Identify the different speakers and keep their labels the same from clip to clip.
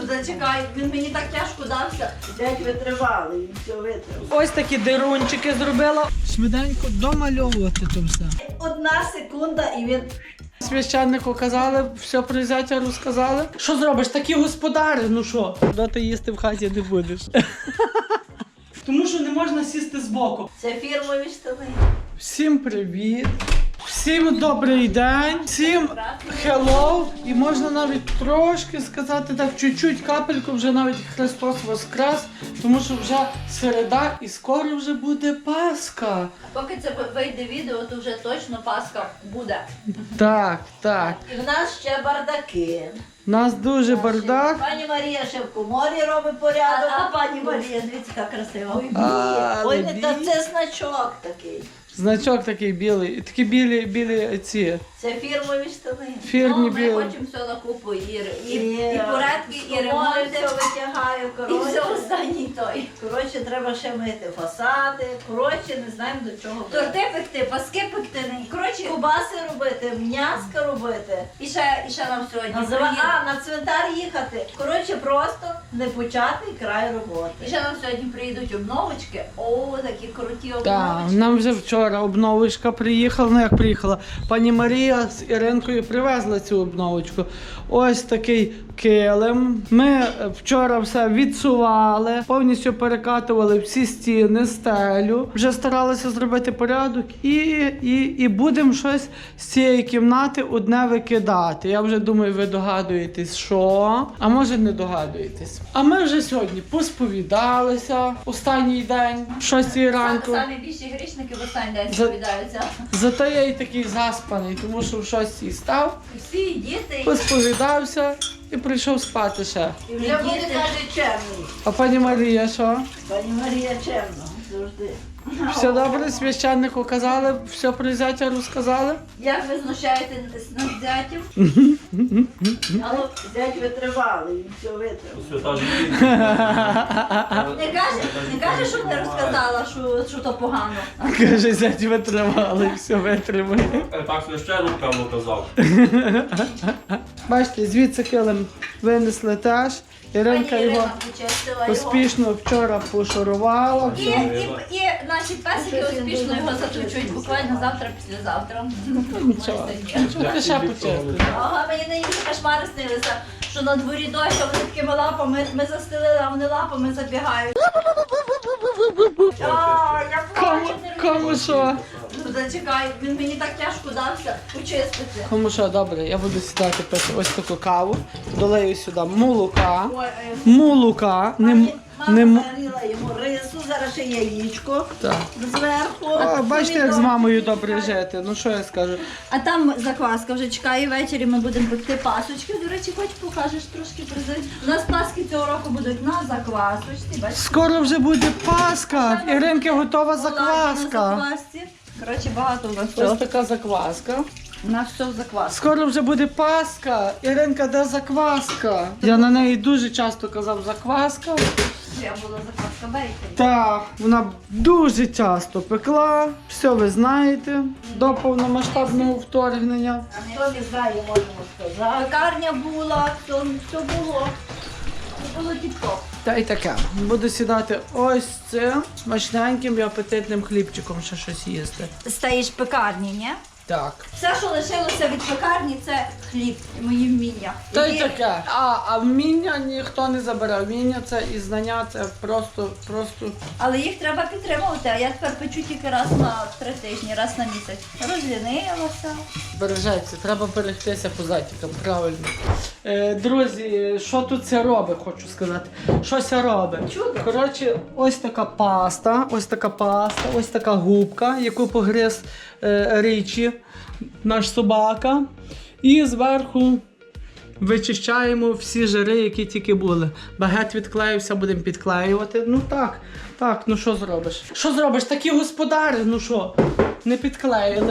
Speaker 1: Зачекай, він мені так тяжко дався.
Speaker 2: Дядь витривали, він все витримав.
Speaker 3: Ось такі дирунчики зробила. Швиденько домальовувати то все.
Speaker 2: 1 секунда і він...
Speaker 3: Священнику казали, все про зятя розказали. Що зробиш? Такі господарі, ну що? Доти їсти в хаті не будеш. Тому що не можна сісти збоку.
Speaker 2: Це фірмові штани.
Speaker 3: Всім привіт! Всім добрий день! Всім hello! І можна навіть трошки сказати так, чуть-чуть, капельку, вже навіть Христос Воскрес, тому що вже середа і скоро вже буде Пасха.
Speaker 1: Поки це вийде відео, то вже точно Пасха буде.
Speaker 3: Так, так.
Speaker 2: І в нас ще бардаки.
Speaker 3: У нас дуже бардак.
Speaker 2: Пані Марія ще в коморі робить порядок. А пані Марія, дивіться, яка красива. Ой,
Speaker 3: Але
Speaker 2: ой, не та це значок такий.
Speaker 3: Значок такий білий, такі білі ці.
Speaker 2: Це фірмові штани.
Speaker 3: Фірмі
Speaker 1: Ну, ми
Speaker 3: білі.
Speaker 1: хочемо все на купу, і
Speaker 2: Ні,
Speaker 1: порядки, і ремонти,
Speaker 2: все витягаю,
Speaker 1: і все останній той.
Speaker 2: Коротше, треба ще мити фасади. Коротше, не знаємо до чого.
Speaker 1: Торти пекти, паски пекти, коротше,
Speaker 2: Кубаси робити, м'яска робити.
Speaker 1: і ще нам сьогодні
Speaker 2: На цвинтар їхати. Коротше, просто непочатий край роботи.
Speaker 1: І ще нам сьогодні приїдуть обновочки. О, такі круті
Speaker 3: Так,
Speaker 1: обновочки.
Speaker 3: нам вже вчора обновочка приїхала, ну як приїхала. Пані Марія з Іринкою привезла цю обновочку. Ось такий килим. Ми вчора все відсували, повністю перекатували всі стіни, стелю. Вже старалися зробити порядок і будемо щось з цієї кімнати одне викидати. Я вже думаю, ви догадуєтесь, що? А може не догадуєтесь. А ми вже сьогодні посповідалися останній день, 6 ранку.
Speaker 1: Самі більші грішники в останній день
Speaker 3: За-
Speaker 1: сповідаються.
Speaker 3: Зато я і такий заспаний, тому що в 6 став,
Speaker 1: Всі діти.
Speaker 3: посповідався і прийшов спати ще.
Speaker 2: І вже буде каже чемний.
Speaker 3: А пані Марія що?
Speaker 2: Пані Марія чемна, завжди.
Speaker 3: Все добре, священнику казали, все про зятя розказали?
Speaker 1: Як ви знущаєтесь над зятів?
Speaker 2: Але дядь витривали, він все витримав.
Speaker 4: Свята жінка.
Speaker 1: Не каже, що не розказала, що то погано.
Speaker 3: Каже, зять витримали, все витримали.
Speaker 4: Так священник, певно, казав.
Speaker 3: Бачите, звідси килим винесли теж. Іринка
Speaker 1: Пані
Speaker 3: його
Speaker 1: Ірина почистила його.
Speaker 3: успішно вчора пошурувала.
Speaker 1: І наші песики успішно його заточують буквально завтра, післязавтра.
Speaker 3: Нічого, нічого, ти ще почистиш.
Speaker 1: Ага, мені нині кошмари снилися, що на дворі дощ, а вони такими лапами, ми застелили, а вони лапами забігають. А, я плачу, не
Speaker 3: Кому що?
Speaker 1: Зачекай, він мені так тяжко дався почистити.
Speaker 3: Кому що, добре, я буду сідати пити ось таку каву, долею сюди молока.
Speaker 2: Ой,
Speaker 3: Молока, не
Speaker 2: мама варила йому рису, зараз ще яєчко
Speaker 3: так.
Speaker 2: зверху.
Speaker 3: О, бачите, як з мамою добре жити. Ну що я скажу?
Speaker 1: А там закваска вже чекає, ввечері ми будемо пекти пасочки. До речі, хоч покажеш трошки презент. У нас паски цього року будуть на заквасочці. Бачите?
Speaker 3: Скоро вже буде Пасха. Іринки готова
Speaker 1: На
Speaker 3: закваска.
Speaker 1: заквасці. Коротше, багато у нас
Speaker 3: Ось
Speaker 1: всього.
Speaker 3: така закваска.
Speaker 1: У нас все в заквасці.
Speaker 3: Скоро вже буде Пасха. Іринка, де закваска? Я на неї дуже часто казав закваска.
Speaker 1: Я була закваска бейкері.
Speaker 3: Так, вона дуже часто пекла. Все ви знаєте. До повномасштабного вторгнення.
Speaker 2: Хто не знає, можемо сказати.
Speaker 1: Пекарня була, все було. Все було тіп-топ.
Speaker 3: Та й таке. Буду сідати ось цим смачненьким і апетитним хлібчиком ще щось їсти.
Speaker 1: Стоїш в пекарні, ні?
Speaker 3: Так.
Speaker 1: Все, що лишилося від пекарні, це хліб, мої вміння.
Speaker 3: Та й таке. А вміння ніхто не забере. Вміння це і знання це просто.
Speaker 1: Але їх треба підтримувати, а я тепер печу тільки раз на 3 тижні, раз на місяць. Розлінилася.
Speaker 3: Бережеться, треба берегтися по затікам, правильно. Друзі, що тут це робить, хочу сказати. Що це робить?
Speaker 1: Чудо.
Speaker 3: Коротше, ось така паста, ось така губка, яку погриз Річі, наш собака. І зверху вичищаємо всі жири, які тільки були. Багет відклеївся, будемо підклеювати. Ну так, ну що зробиш? Що зробиш? Такі господарі, ну що, не підклеїли.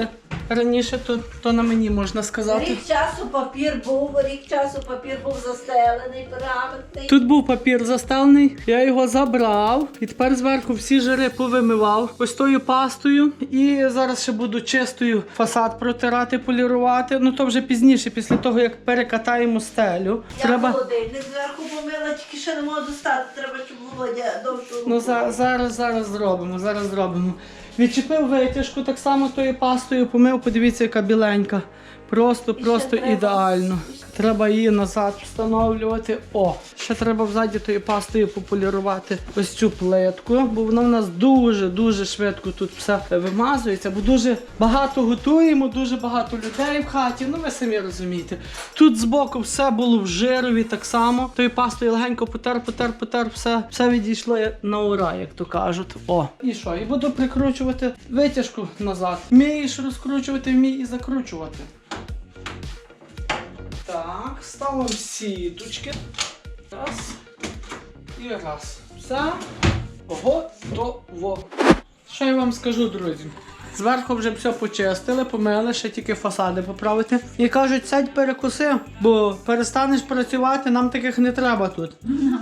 Speaker 3: раніше, то на мені можна сказати.
Speaker 2: Рік часу папір був застелений, пергаментний.
Speaker 3: Тут був папір застелений, я його забрав і тепер зверху всі жири повимивав ось тою пастою. І зараз ще буду чистою фасад протирати, полірувати. Ну то вже пізніше, після того як перекатаємо стелю.
Speaker 2: Я холодильник зверху помила, тільки ще не можу достати, треба, щоб Володя довше.
Speaker 3: Ну зараз зробимо. Відчепив витяжку так само тою пастою, помив, подивіться, яка біленька. Просто
Speaker 2: треба-
Speaker 3: ідеально. Треба її назад встановлювати. О, ще треба взаді тою пастою пополірувати ось цю плитку, бо вона в нас дуже швидко тут все вимазується, бо дуже багато готуємо, дуже багато людей в хаті, ну ви самі розумієте. Тут збоку все було в жирові так само. Тою пастою легенько потер, все відійшло на ура, як то кажуть. О, і що? І буду прикручувати витяжку назад. Вмієш розкручувати, вмій і закручувати. Так, ставимо сіточки. Раз. І раз. Все. Готово. Що я вам скажу, друзі? Зверху вже все почистили, помили, ще тільки фасади поправити. І кажуть, сядь перекуси, бо перестанеш працювати, нам таких не треба тут.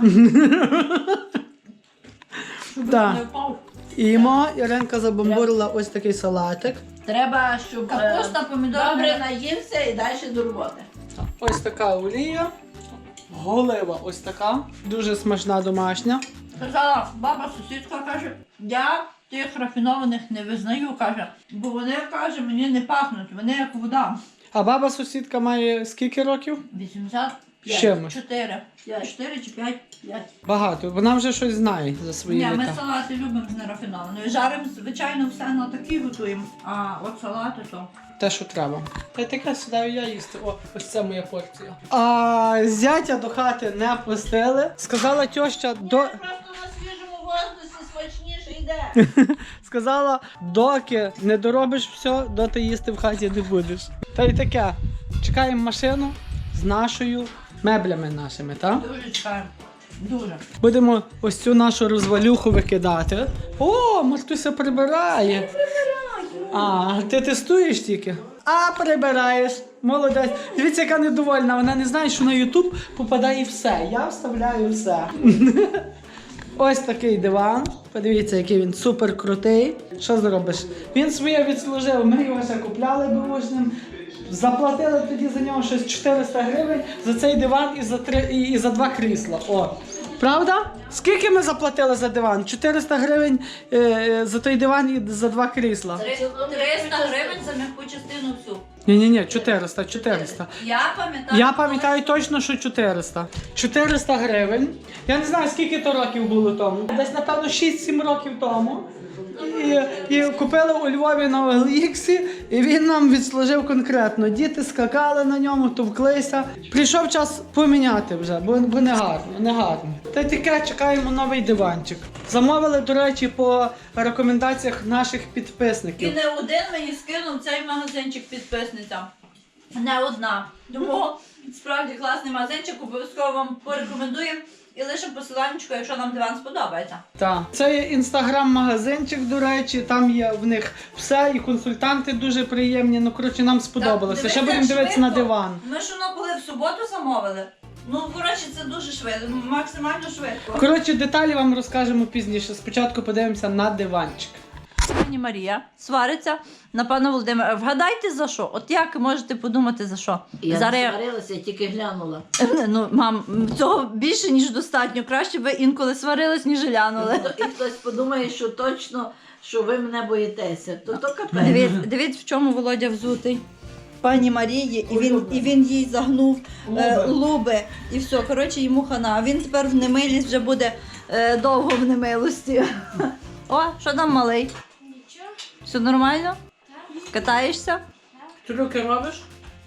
Speaker 3: Так. Імо, Іринка забомбурила ось такий салатик.
Speaker 2: Треба, щоб
Speaker 1: Капуста, помідори.
Speaker 2: добре наївся і далі до роботи.
Speaker 3: Ось така олія. Голива ось така. Дуже смачна домашня.
Speaker 1: Сказала баба сусідка, каже, я тих рафінованих не визнаю, каже, бо вони, каже, мені не пахнуть, вони як вода.
Speaker 3: А баба сусідка має скільки років?
Speaker 1: 85.
Speaker 3: Чимось?
Speaker 1: 4 чи 5.
Speaker 3: Багато. Вона вже щось знає за свої
Speaker 1: Ні, ми
Speaker 3: літа.
Speaker 1: салати любимо з нерафінованою. Жаримо, звичайно, все на такі готуємо, а от салати то.
Speaker 3: Те, що треба. Та й таке сідаю я їсти. О, ось це моя порція. А зятя до хати не пустили. Сказала тьоща,
Speaker 2: Просто на свіжому воздусі смачніше йде.
Speaker 3: сказала, доки не доробиш все, доти їсти в хаті не будеш. Та й таке. Чекаємо машину з нашою меблями нашими, так?
Speaker 1: Дуже чекаємо. Дуже.
Speaker 3: Будемо ось цю нашу розвалюху викидати. О, Мартуся прибирає. А, ти тестуєш тільки? А, прибираєш. Молодець. Дивіться, яка недовольна. Вона не знає, що на YouTube попадає все. Я вставляю все. Ось такий диван. Подивіться, який він супер крутий. Що зробиш? Він своє відслужив. Ми його ще купляли бушним. Заплатили тоді за нього щось 400 гривень за цей диван і за 2 крісла. О. Правда? Скільки ми заплатили за диван? 400 гривень за той диван і за 2 крісла.
Speaker 1: 300 гривень за м'яку частину всю.
Speaker 3: Ні, 400. Я пам'ятаю точно, що 400. 400 гривень. Я не знаю, скільки то років було тому. Десь, напевно, 6-7 років тому. І купили у Львові на OLX, і він нам відслужив конкретно. Діти скакали на ньому, товклися. Прийшов час поміняти вже, бо не гарно. Та й таке, чекаємо новий диванчик. Замовили, до речі, по рекомендаціях наших
Speaker 1: І
Speaker 3: підписників.
Speaker 1: не один мені скинув цей магазинчик підписниця. Не одна. Тому справді класний магазинчик, обов'язково вам порекомендуємо. І лише посиланнячко, якщо нам диван сподобається.
Speaker 3: Так. Це є інстаграм-магазинчик, до речі, там є в них все, і консультанти дуже приємні. Ну, коротше, нам сподобалося.
Speaker 1: Так,
Speaker 3: Ще будемо дивитися на диван.
Speaker 1: Ми ж воно коли в суботу замовили. Ну, коротше, це дуже швидко, максимально швидко.
Speaker 3: Коротше, деталі вам розкажемо пізніше. Спочатку подивимося на диванчик.
Speaker 1: Пані Марія свариться на пана Володимира. Вгадайте за що? От як можете подумати за що?
Speaker 2: Я
Speaker 1: Зараз
Speaker 2: не сварилася, тільки глянула.
Speaker 1: Ну, мам, цього більше, ніж достатньо. Краще ви інколи сварились, ніж глянули.
Speaker 2: І хтось подумає, що точно, що ви мене боїтеся. То капець.
Speaker 1: Дивіться, в чому Володя взутий. Пані Марії, і він їй загнув луби. І все, коротше, йому хана. А він тепер в немилість вже буде довго в немилості. О, що там малий?
Speaker 5: Нічого.
Speaker 1: Все нормально? Катаєшся?
Speaker 3: Трюки робиш?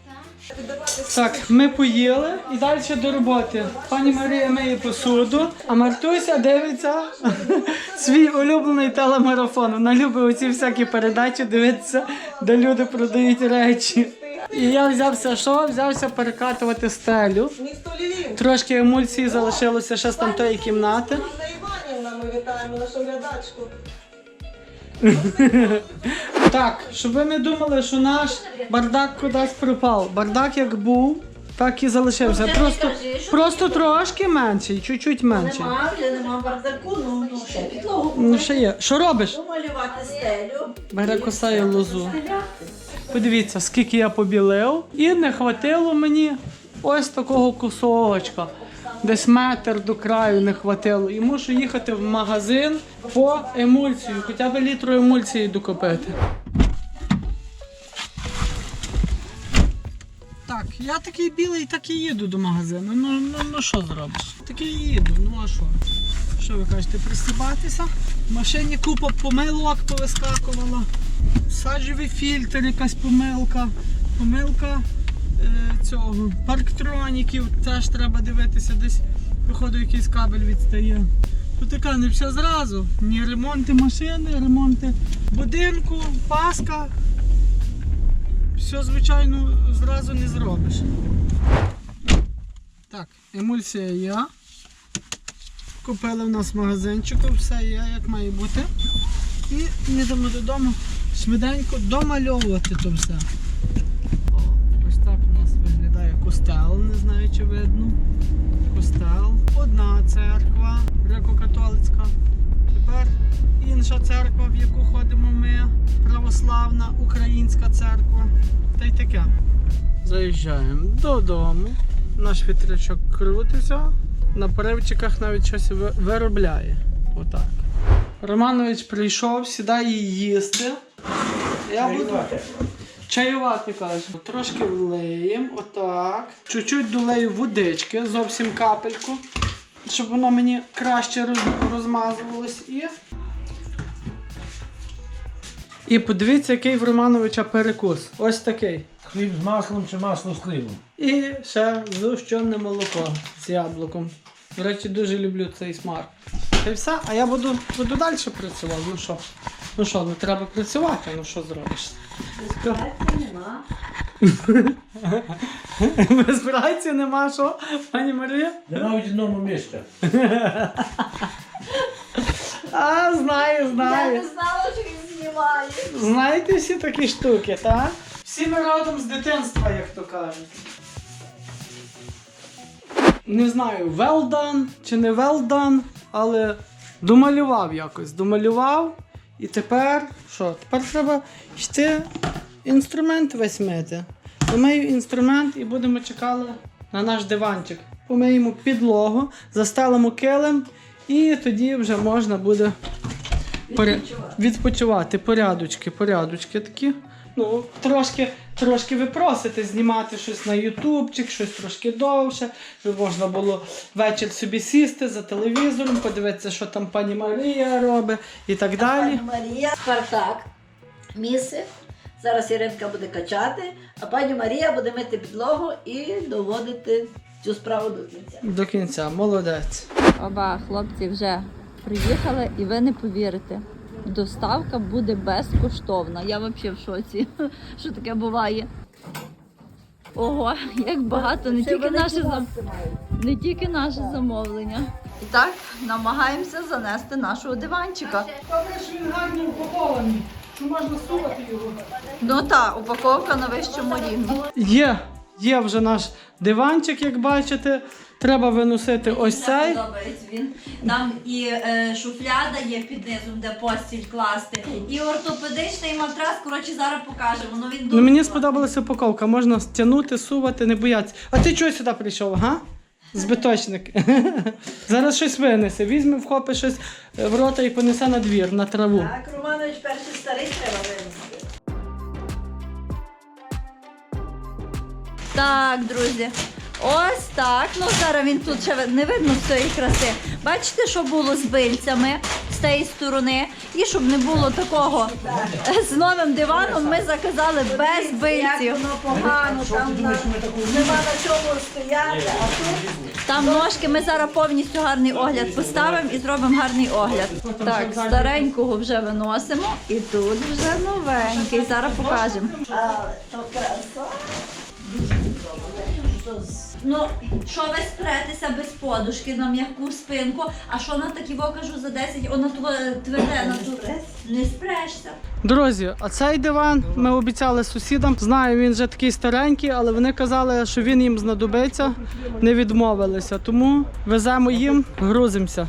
Speaker 3: Так, ми поїли і далі до роботи. Пані Марія миє посуду, а Мартуся дивиться свій улюблений телемарафон. Вона любить оці всякі передачі дивитися, де люди продають речі. І я взявся перекатувати стелю.
Speaker 6: Місто Львів.
Speaker 3: Трошки емульсії залишилося ще з тамтої кімнати.
Speaker 6: Анна Іванівна, ми вітаємо нашу глядачку.
Speaker 3: Так, щоб ви не думали, що наш бардак кудись пропав. Бардак як був, так і залишився.
Speaker 2: Ну, це
Speaker 3: Просто,
Speaker 2: не кажи, що
Speaker 3: просто
Speaker 2: ти-
Speaker 3: трошки менший, чуть-чуть менший.
Speaker 2: Нема бардаку, ну ще підлогу.
Speaker 3: Ну, ще є. Що робиш?
Speaker 2: Помалювати стелю.
Speaker 3: Бере косає лозу.
Speaker 2: Стеляти.
Speaker 3: Подивіться, скільки я побілив, і не хватило мені ось такого кусочка. Десь метр до краю не хватило. І мушу їхати в магазин по емульсію, хоча б літру емульсії докупити. Так, я такий білий, так і їду до магазину. Ну що зробиш? Такий їду, ну а що? Що ви кажете, пристібатися? В машині купа помилок повискакувала. Саджевий фільтр, якась помилка. Помилка цього. Парктроніків теж треба дивитися, десь походу якийсь кабель відстає. Тут така не все зразу. Ні ремонти машини, ремонти будинку, паска. Все, звичайно, зразу не зробиш. Так, емульсія є. Купили в нас в магазинчику, все є, як має бути. І їдемо додому швиденько домальовувати то все. О, ось так у нас виглядає костел, не знаю чи видно. Костел. Одна церква, греко-католицька. Тепер інша церква, в яку ходимо ми, православна українська церква. Та й таке. Заїжджаємо додому. Наш вітрячок крутиться. На поривчиках навіть щось виробляє. Отак. Романович прийшов, сідає їсти. Я буду чаювати, каже. Трошки влиємо, отак. Чуть-чуть долею водички, зовсім капельку, щоб воно мені краще розмазувалось. І подивіться, який в Романовича перекус. Ось такий.
Speaker 5: Хліб з маслом чи масло з хлібом?
Speaker 3: І ще згущене молоко з яблуком. До речі, дуже люблю цей смак. Та й все, а я буду далі працювати. Ну що, ну треба працювати, ну що зробиш?
Speaker 2: Нема.
Speaker 3: Без праці нема що, пані Марія?
Speaker 5: Нема в одному місці.
Speaker 3: А, знаю.
Speaker 2: Я не знала, що він знімає.
Speaker 3: Знаєте всі такі штуки, так? Всі ми родом з дитинства, як то кажуть. Не знаю, well done чи не well done, але домалював якось. Домалював. І тепер, що? Тепер треба йти інструмент весь мити. Помию інструмент і будемо чекали на наш диванчик. Помиємо підлогу, застелимо килим і тоді вже можна буде відпочивати. Порядочки такі. Ну, трошки ви просите знімати щось на ютубчик, щось трошки довше, щоб можна було вечір собі сісти за телевізором, подивитися, що там пані Марія робить і так далі.
Speaker 2: Пані Марія, Спартак, місце. Зараз Іринка буде качати, а пані Марія буде мити підлогу і доводити цю справу до кінця.
Speaker 3: До кінця, молодець.
Speaker 1: Оба хлопці вже приїхали, і ви не повірите. Доставка буде безкоштовна. Я взагалі в шоці, що таке буває. Ого, як багато, не тільки наше замовлення. І так, намагаємося занести нашого диванчика.
Speaker 3: Добре, що він гарно упакований, що можна сувати його.
Speaker 1: Ну так, упаковка на вищому рівні.
Speaker 3: Є вже наш диванчик, як бачите. Треба виносити ось цей.
Speaker 1: Мені подобається він. Там і шуфляда є під низом, де постіль класти, і ортопедичний матрас. Коротше, зараз покажемо. Ну, він дуже
Speaker 3: Ну, мені
Speaker 1: класний.
Speaker 3: сподобалася упаковка. Можна стягнути, сувати, не боятися. А ти чого сюди прийшов, га? Збиточник. Зараз щось винесе. Візьме, вхопить щось в рота і понесе на двір, на траву.
Speaker 2: Так, Романович перший старий треба винести.
Speaker 1: Так, друзі. Ось так. Ну, зараз він тут ще не видно всієї краси. Бачите, що було з бильцями з тієї сторони? І щоб не було такого з новим диваном, ми заказали без бильців.
Speaker 2: Як воно погано, там нема на чому стояти, а тут
Speaker 1: Там ножки, ми зараз повністю гарний огляд поставимо і зробимо гарний огляд. Так, старенького вже виносимо і тут вже новенький. Зараз покажемо.
Speaker 2: але то краса.
Speaker 1: Ну, що ви спретеся без подушки на м'яку спинку, а що на такі кажу за 10, вона тверде, на ту не спрешся.
Speaker 3: Друзі, а цей диван ми обіцяли сусідам. Знаю, він вже такий старенький, але вони казали, що він їм знадобиться, не відмовилися. Тому веземо їм, грузимося.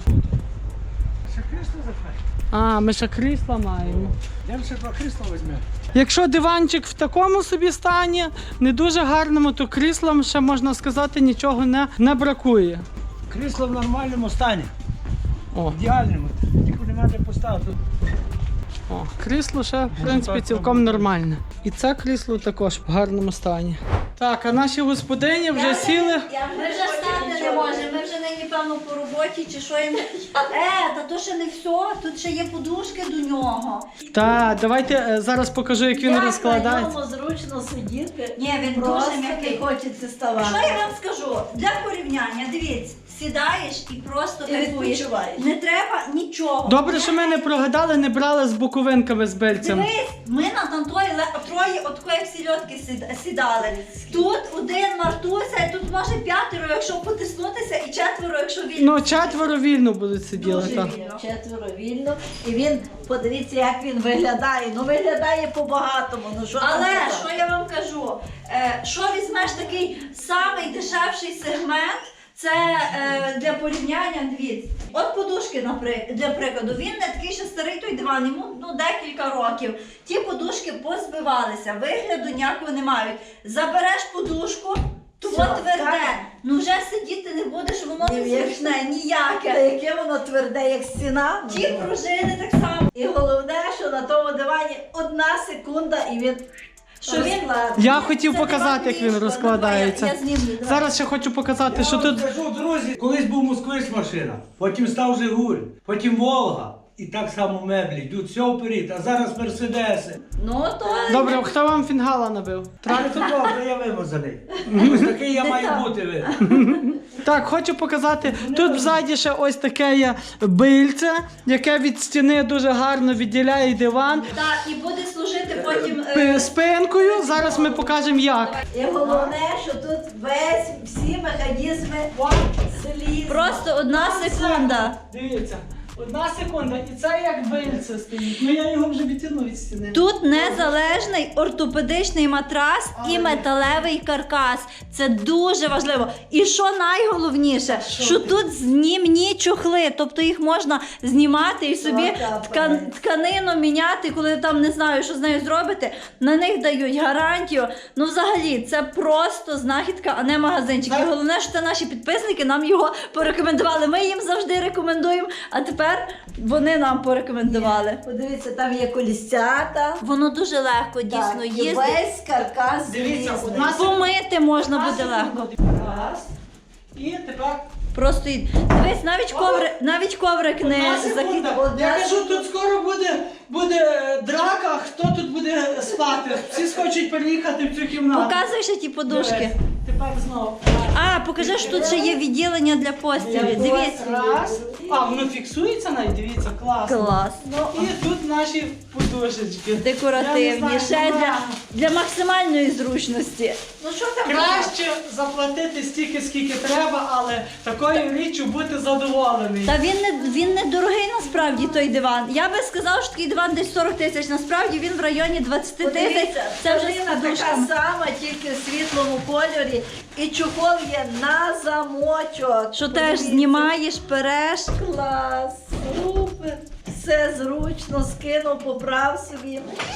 Speaker 5: Ще крісло запхай.
Speaker 3: А, ми ще крісла маємо.
Speaker 5: Я ще два крісла візьмемо.
Speaker 3: Якщо диванчик в такому собі стані, не дуже гарному, то кріслам ще, можна сказати, нічого не бракує.
Speaker 5: Крісло в нормальному стані.
Speaker 3: О,
Speaker 5: Ідеальному. Тільки нема де поставити.
Speaker 3: о, крісло ще, в принципі, цілком нормальне. І це крісло також в гарному стані. Так, а наші господині вже сіли.
Speaker 1: Ми вже стати не можемо, ми вже нині, певно, по роботі чи що їм. Та то ще не все, тут ще є подушки до нього.
Speaker 3: Так, давайте зараз покажу, як він розкладається.
Speaker 2: На ньому зручно сидіти.
Speaker 1: Ні, він
Speaker 2: Просто
Speaker 1: дуже м'який.
Speaker 2: не хочеться ставати.
Speaker 1: Що я вам скажу? Для порівняння, дивіться, сідаєш і просто
Speaker 2: І
Speaker 1: кайфуєш.
Speaker 2: відпочиваєш.
Speaker 1: Не треба нічого.
Speaker 3: Добре, що ми не прогадали, не брали з боковинками з бильцем.
Speaker 1: Дивись, ми на там троє, отко як сільотки сідали. Тут один Мартуся, і тут може 5, якщо потиснутися, і 4, якщо вільно.
Speaker 3: Ну, 4 вільно будуть сиділи.
Speaker 1: Дуже
Speaker 3: Так.
Speaker 1: вільно.
Speaker 2: 4 вільно. І він, подивіться, як він виглядає. Ну виглядає по-багатому. Ну що там
Speaker 1: Але
Speaker 2: казати?
Speaker 1: що я вам кажу? Що візьмеш такий самий дешевший сегмент? Це для порівняння, дивіться. От подушки, для прикладу, він не такий ще старий той диван, йому декілька років. Ті подушки позбивалися, вигляду ніякого не мають. Забереш подушку, то
Speaker 2: Все,
Speaker 1: тверде.
Speaker 2: так.
Speaker 1: Ну вже сидіти не будеш, воно не
Speaker 2: Ні,
Speaker 1: зручне,
Speaker 2: Та
Speaker 1: ніяке.
Speaker 2: яке воно тверде, як стіна.
Speaker 1: Ті пружини так само.
Speaker 2: І головне, що на тому дивані 1 секунда і він
Speaker 1: Що він-
Speaker 2: розкладений.
Speaker 3: Я хотів
Speaker 1: Це
Speaker 3: показати, як
Speaker 1: диван
Speaker 3: він
Speaker 1: ліжко,
Speaker 3: розкладається.
Speaker 1: я знімлю. давай.
Speaker 3: Зараз ще хочу показати,
Speaker 5: Я
Speaker 3: що
Speaker 5: вам
Speaker 3: тут.
Speaker 5: скажу, друзі, колись був москвич машина, потім став Жигуль, потім Волга. І так само меблі, йдуть все вперед, а зараз Мерседеси.
Speaker 1: Ну то
Speaker 3: Добре, хто вам фінгала набив?
Speaker 5: Трактор добре, я вимазаний. Ось такий я маю бути ви.
Speaker 3: Так, хочу показати. Тут взаді ще ось таке є бильце, яке від стіни дуже гарно відділяє диван.
Speaker 1: так, і буде служити потім.
Speaker 3: Спинкою. Зараз ми покажемо як.
Speaker 2: І головне, що тут всі механізми слізні.
Speaker 1: Просто 1 секунда.
Speaker 3: Дивіться, 1 секунда, і це як бильце стоїть. Ну я його вже відтягнув від стіни.
Speaker 1: Тут незалежний ортопедичний матрас і металевий каркас. Це дуже важливо. І що найголовніше, що тут знімні чохли, тобто їх можна знімати і собі тканину міняти, коли там не знаю, що з нею зробити. На них дають гарантію. Ну взагалі, це просто знахідка, а не магазинчик. І головне, що це наші підписники нам його порекомендували. Ми їм завжди рекомендуємо, а тепер вони нам порекомендували.
Speaker 2: Подивіться, там є колісцята.
Speaker 1: Воно дуже легко, дійсно,
Speaker 2: Так, і
Speaker 1: їздить.
Speaker 2: весь каркас
Speaker 3: Дивіться,
Speaker 2: злізний.
Speaker 3: 1 секунда.
Speaker 1: Помити можна
Speaker 3: 1
Speaker 1: буде легко.
Speaker 3: секунда. Раз. І тепер
Speaker 1: Просто дивись, навіть коврик не
Speaker 3: 1 секунда. Я кажу, тут скоро буде драка, хто тут буде спати. Всі схочуть переїхати в цю кімнату.
Speaker 1: Показуй ще ті подушки.
Speaker 3: Дивись. Тепер знову.
Speaker 1: А, покажи, що тут ще є відділення для постілі. Дивіться.
Speaker 3: Раз. А, воно фіксується навіть, дивіться, класно.
Speaker 1: Клас.
Speaker 3: І тут наші подушечки.
Speaker 1: Декоративні.
Speaker 3: Я не
Speaker 1: Ще
Speaker 3: знаю,
Speaker 1: для максимальної зручності.
Speaker 2: Ну що там?
Speaker 3: краще заплатити стільки, скільки треба, але такою річчю бути задоволений.
Speaker 1: Та він не дорогий насправді той диван. Я би сказала, що такий диван десь 40 тисяч. Насправді він в районі 20 тисяч.
Speaker 2: Подивіться,
Speaker 1: Це вже з
Speaker 2: тканина така
Speaker 1: подушками.
Speaker 2: сама, тільки в світлому кольорі. І чохол є на замочок.
Speaker 1: Що теж
Speaker 2: Подивіться.
Speaker 1: знімаєш, переш.
Speaker 2: Клас, супер. Все зручно, скинув, поправ собі.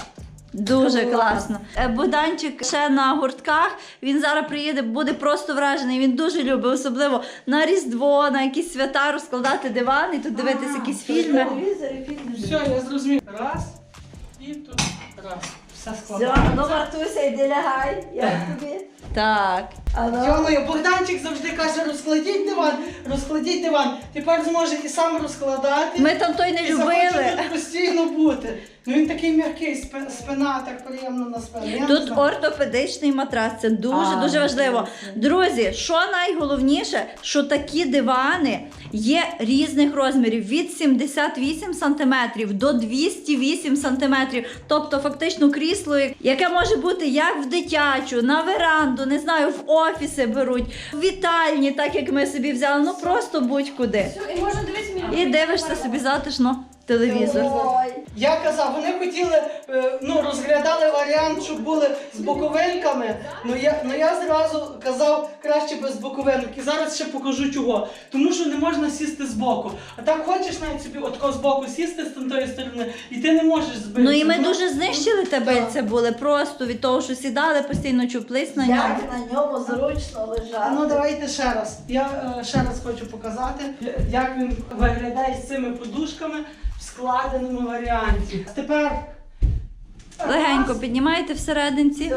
Speaker 1: Дуже
Speaker 2: Клас.
Speaker 1: класно. Богданчик ще на гуртках. Він зараз приїде, буде просто вражений. Він дуже любить, особливо на Різдво, на якісь свята розкладати диван і тут дивитися якісь фільми.
Speaker 2: Телевізор і фільми.
Speaker 3: Все, я зрозумів. Раз. І тут раз. Все
Speaker 2: Все,
Speaker 3: складається.
Speaker 2: ну Мартуся, йди лягай. Як тобі?
Speaker 1: Так.
Speaker 2: А ну.
Speaker 3: Йомою, Богданчик завжди каже, розкладіть диван. Тепер зможе і сам розкладати.
Speaker 1: Ми там той не
Speaker 3: і захоче
Speaker 1: любили.
Speaker 3: тут постійно бути. Ну він такий м'який, спина так приємно на спину. Я не
Speaker 1: Тут
Speaker 3: знаю.
Speaker 1: ортопедичний матрас, це дуже важливо. Друзі, що найголовніше, що такі дивани є різних розмірів від 78 см до 208 см. Тобто фактично крісло, яке може бути як в дитячу, на веранду, не знаю, в офіси беруть, в вітальні, так як ми собі взяли, ну просто будь-куди.
Speaker 6: І можна дивитися мені.
Speaker 1: І дивишся собі затишно телевізор.
Speaker 3: Я казав, вони хотіли, розглядали варіант, щоб були з боковинками, я зразу казав, краще без боковинок. І зараз ще покажу чого. Тому що не можна сісти збоку. А так хочеш навіть собі отко збоку сісти з тої сторони, і ти не можеш збити.
Speaker 1: Ну і ми дуже знищили табельця були просто від того, що сідали, постійно чуплись на ньому.
Speaker 2: Як на ньому зручно лежати.
Speaker 3: Ну давайте ще раз. Я ще раз хочу показати, як він виглядає з цими подушками в складеному варіанті. Тепер
Speaker 1: Легенько піднімаєте всерединці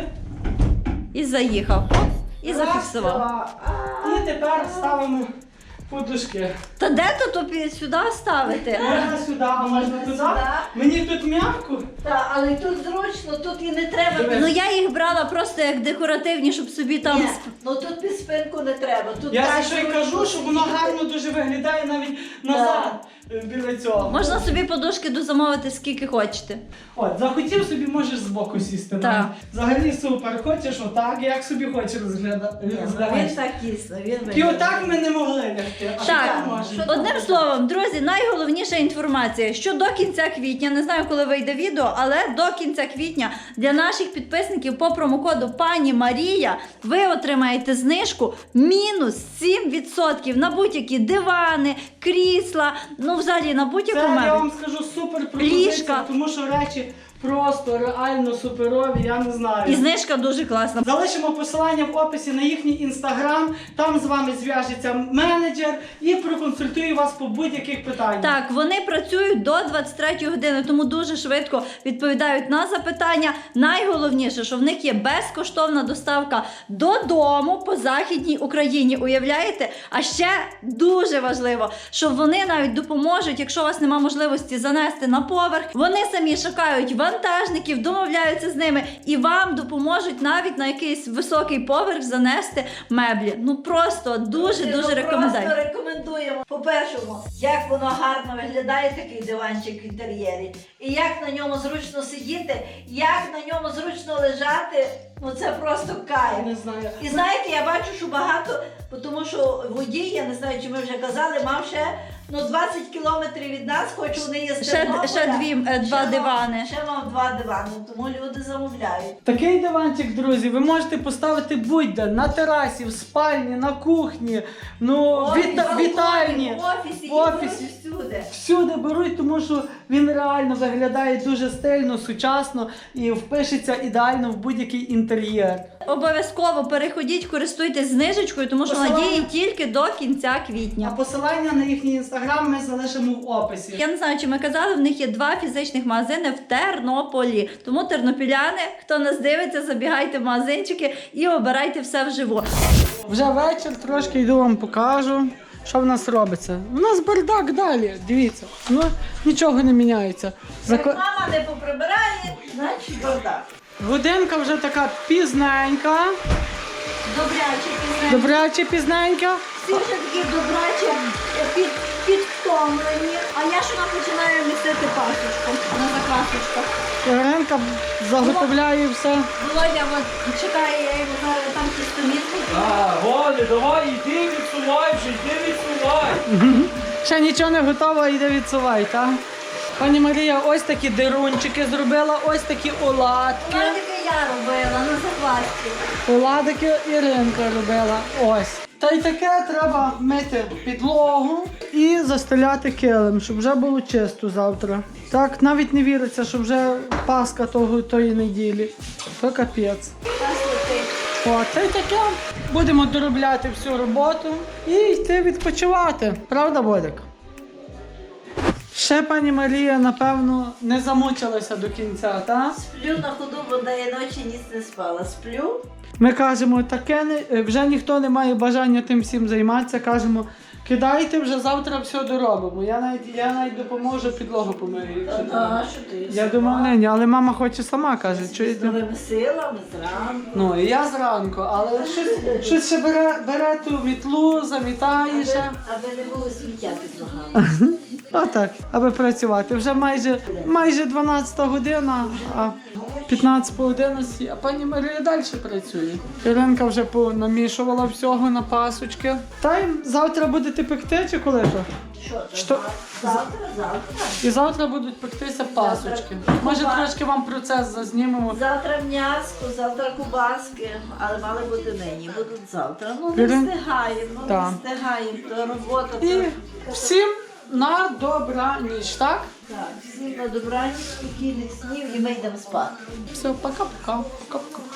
Speaker 1: і заїхав. Оп, і зафіксував.
Speaker 3: І тепер ставимо подушки.
Speaker 1: Та де то сюди ставити?
Speaker 3: Можна сюди, а можна туди. Мені тут м'яко.
Speaker 2: Так, але тут зручно, тут і не треба.
Speaker 1: Ну я їх брала просто як декоративні, щоб собі там.
Speaker 2: Ні, ну тут під спинку не треба. Тут
Speaker 3: Я
Speaker 2: так
Speaker 3: за що й
Speaker 2: зручно
Speaker 3: кажу, що воно
Speaker 2: сидіти.
Speaker 3: гарно дуже виглядає навіть назад біля цього.
Speaker 1: Можна собі подушки дозамовити скільки хочете.
Speaker 3: От, захотів собі, можеш збоку сісти.
Speaker 1: Так.
Speaker 3: Взагалі супер. Хочеш отак, як собі хочеш розглядати.
Speaker 2: Він так тісно, він
Speaker 3: І
Speaker 2: виглядає.
Speaker 3: отак ми не могли лягти. А
Speaker 1: Так,
Speaker 3: так можна.
Speaker 1: одним словом, друзі, найголовніша інформація, що до кінця квітня, не знаю, коли вийде відео, але до кінця квітня для наших підписників по промокоду Пані Марія ви отримаєте знижку мінус 7% на будь-які дивани, крісла, ну взагалі на будь-яку
Speaker 3: Це я
Speaker 1: мебель.
Speaker 3: вам скажу супер пропозиція,
Speaker 1: Ліжка.
Speaker 3: тому що речі просто реально суперові, я не знаю.
Speaker 1: І знижка дуже класна.
Speaker 3: Залишимо посилання в описі на їхній інстаграм, там з вами зв'яжеться менеджер і проконсультує вас по будь-яких питаннях.
Speaker 1: Так, вони працюють до 23 години, тому дуже швидко відповідають на запитання. Найголовніше, що в них є безкоштовна доставка додому по Західній Україні. Уявляєте? А ще дуже важливо, що вони навіть допоможуть, якщо у вас немає можливості занести на поверх. Вони самі шукають вантажників, домовляються з ними і вам допоможуть навіть на якийсь високий поверх занести меблі. Ну просто дуже рекомендую.
Speaker 2: Просто рекомендуємо. По-першому, як воно гарно виглядає, такий диванчик в інтер'єрі. І як на ньому зручно сидіти, як на ньому зручно лежати. Ну це просто кайф.
Speaker 3: Не знаю.
Speaker 2: І знаєте, я бачу, що багато, тому що водій, я не знаю, чи ми вже казали, мав ще 20 кілометрів від нас, хоч вони є з Тернополя.
Speaker 1: Ще два дивани.
Speaker 2: Ще мав 2 дивани, тому люди замовляють.
Speaker 3: Такий диванчик, друзі, ви можете поставити будь-де, на терасі, в спальні, на кухні, вітальні,
Speaker 2: в офісі,
Speaker 3: всюди.
Speaker 2: всюди.
Speaker 3: Всюди беруть, тому що він реально виглядає дуже стильно, сучасно і впишеться ідеально в будь-який інтер'єр.
Speaker 1: Обов'язково переходіть, користуйтесь знижечкою, тому що вона діє тільки до кінця
Speaker 3: А
Speaker 1: квітня.
Speaker 3: посилання на їхній інстаграм ми залишимо в описі.
Speaker 1: Я не знаю, чи ми казали, в них є 2 фізичних магазини в Тернополі. Тому тернопіляни, хто нас дивиться, забігайте в магазинчики і обирайте все вживу.
Speaker 3: Вже вечір, трошки йду вам покажу, що в нас робиться. У нас бардак далі, дивіться, ну нічого не міняється.
Speaker 2: Як мама не поприбирає, значить бардак.
Speaker 3: Годинка вже така пізненька, добряче пізненька.
Speaker 1: Всі вже такі добрачі, підвтомлені. А я ж вона починаю місити пасочку на заквасочках.
Speaker 3: Іринка заготовляє все.
Speaker 1: Володя от чекає, я його зараз там тістомітку.
Speaker 4: Годі, давай, іди відсувай вже, іди відсувай.
Speaker 3: Ще нічого не готово, йде відсувай, так? Пані Марія ось такі дирунчики зробила, ось такі оладки.
Speaker 1: Владика я робила на заквасці.
Speaker 3: Оладики Іринка робила. Ось. Та й таке треба мити підлогу і застеляти килим, щоб вже було чисто завтра. Так, навіть не віриться, що вже Пасха тої неділі. То капець. О, та й таке. Будемо доробляти всю роботу і йти відпочивати. Правда, Бодик? Ще пані Марія, напевно, не замучилася до кінця, так?
Speaker 2: Сплю на ходу, бо я ночі ніч не спала. Сплю.
Speaker 3: Ми кажемо, таке вже ніхто не має бажання тим всім займатися. Кажемо, Кидайте, вже завтра все доробимо. Я навіть допоможу, підлогу помию. якщо треба.
Speaker 2: що ти?
Speaker 3: Я думав, ні, але мама хоче сама, каже,
Speaker 2: З
Speaker 3: чуєте?
Speaker 2: новими силами зранку.
Speaker 3: Ну, і я зранку, але щось ще бере ту мітлу, замітає ще.
Speaker 2: Аби не було сміття під ногами.
Speaker 3: Отак, аби працювати. Вже майже 12 година, а 15 по 11, а пані Марія далі працює. Іринка вже понамішувала всього на пасочки. Та й завтра будете пекти чи коли то?
Speaker 2: Що? Завтра.
Speaker 3: І завтра будуть пектися пасочки. Може трошки вам процес зазнімемо.
Speaker 2: Завтра м'яско, завтра кубаски, але мали бути нині, будуть завтра. Ну не
Speaker 3: Ірин-
Speaker 2: встигаємо,
Speaker 3: Так.
Speaker 2: не встигаємо, то робота.
Speaker 3: І
Speaker 2: то...
Speaker 3: всім на добраніч, так?
Speaker 2: Так, всім на добраніч, спокійних снів і ми йдемо спати.
Speaker 3: Все, пока-пока. Пока-пока.